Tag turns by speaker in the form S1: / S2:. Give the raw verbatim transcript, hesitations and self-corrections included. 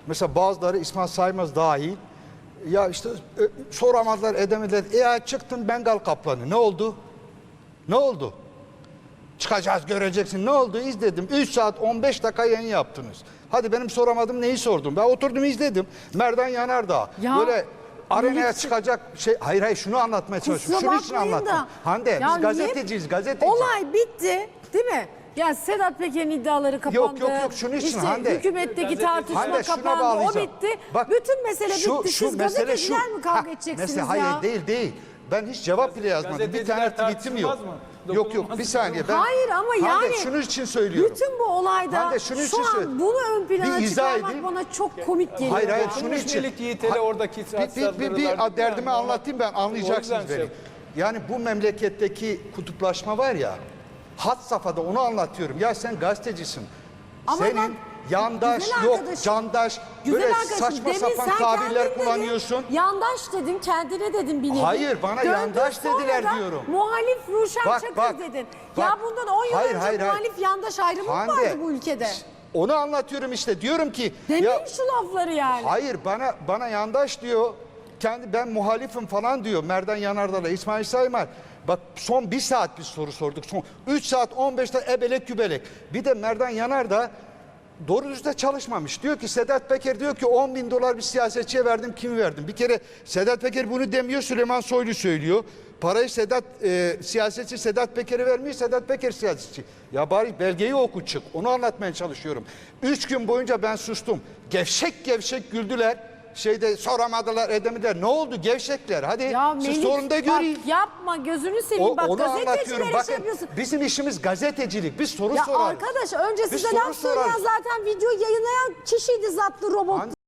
S1: Mesela bazıları İsmail Saymaz dahil. Ya işte e, soramadılar, edemediler. E ya çıktın Bengal kaplanı. Ne oldu? Ne oldu? Çıkacağız, göreceksin. Ne oldu? İzledim. üç saat on beş dakika yayın yaptınız. Hadi benim soramadım, neyi sordum? Ben oturdum izledim. Merdan Yanardağ.
S2: Ya,
S1: Böyle arenaya
S2: hiç...
S1: çıkacak şey. Hayır hayır şunu anlatmaya çalışıyorum. Şunun için anlattım. Hande
S2: ya
S1: biz gazeteciyiz, gazeteci.
S2: Olay bitti değil mi? Ya Sedat Peker'in iddiaları kapandı.
S1: Yok yok yok şunun için
S2: işte
S1: Hande.
S2: Hükümetteki tartışma
S1: Hande,
S2: kapandı. O bitti.
S1: Bak,
S2: bütün mesele
S1: şu,
S2: bitti.
S1: şu
S2: Siz
S1: mesele
S2: gazeteciler
S1: şu.
S2: mi kavga
S1: Ha,
S2: edeceksiniz
S1: mesele,
S2: ya?
S1: Hayır değil değil. Ben hiç cevap bile yazmadım. Bir tane tweetim yok.
S3: Mı?
S1: Yok yok bir saniye. Ben,
S2: Hayır ama
S1: Hande,
S2: yani
S1: şunun için söylüyorum.
S2: bütün bu olayda
S1: Hande, şunun
S2: şu
S1: için
S2: an
S1: söyle-
S2: bunu ön plana
S1: Bir izah
S2: çıkarmak
S1: edeyim.
S2: bana çok komik geliyor.
S1: Hayır hayır
S2: ya.
S1: şunun için.
S3: Konuşmelik Yiğit'e oradaki
S1: bir, bir, bir, bir derdimi anlatayım ben anlayacaksınız
S3: şey
S1: beni. Yani bu memleketteki kutuplaşma var ya, had safhada onu anlatıyorum. Ya sen gazetecisin.
S2: Ama
S1: Senin
S2: bak,
S1: yandaş
S2: güzel
S1: yok,
S2: arkadaşım,
S1: candaş
S2: Güzel
S1: böyle
S2: arkadaşım,
S1: saçma
S2: demin
S1: sapan
S2: sen
S1: tabirler
S2: kendin
S1: kullanıyorsun.
S2: Dedin, yandaş dedin, kendine dedin bir nevi.
S1: Hayır, bana
S2: Döndün
S1: yandaş
S2: sonra
S1: dediler
S2: da
S1: diyorum.
S2: Muhalif Ruşen
S1: Bak,
S2: Çakır
S1: bak,
S2: dedin.
S1: bak.
S2: Ya bundan on yıl
S1: Hayır,
S2: önce
S1: hayır, hayır.
S2: muhalif yandaş ayrımı mı
S1: Hande,
S2: vardı bu ülkede?
S1: Onu anlatıyorum işte diyorum ki.
S2: Demeyin
S1: ya,
S2: şu lafları yani.
S1: hayır bana bana yandaş diyor. Kendi ben muhalifim falan diyor. Merdan Yanardağ'la İsmail Saymaz. Bak son bir saat bir soru sorduk. Son üç saat on beş dakika ebelek gübelek. Bir de Merdan Yanardağ doğru düzde çalışmamış. Diyor ki Sedat Peker diyor ki on bin dolar bir siyasetçiye verdim, kimi verdim? Bir kere Sedat Peker bunu demiyor, Süleyman Soylu söylüyor. Parayı Sedat e, siyasetçi Sedat Peker'e vermiyor, Sedat Peker siyasetçi. Ya bari belgeyi oku çık. Onu anlatmaya çalışıyorum. Üç gün boyunca ben sustum. Gevşek gevşek güldüler. Şeyde soramadılar, edemediler. Ne oldu gevşekler? Hadi
S2: Ya
S1: siz
S2: Melih,
S1: sorun da göreyim.
S2: bak yapma gözünü seveyim.
S1: O,
S2: Bak
S1: onu anlatıyorum.
S2: gazetecilere şey
S1: Bakın
S2: yapıyorsun.
S1: bizim işimiz gazetecilik. Biz soru
S2: Ya
S1: sorarız.
S2: arkadaş önce
S1: Biz
S2: size
S1: soru
S2: laf söyleyen
S1: sorarız.
S2: zaten video yayınlayan kişiydi zatlı robot.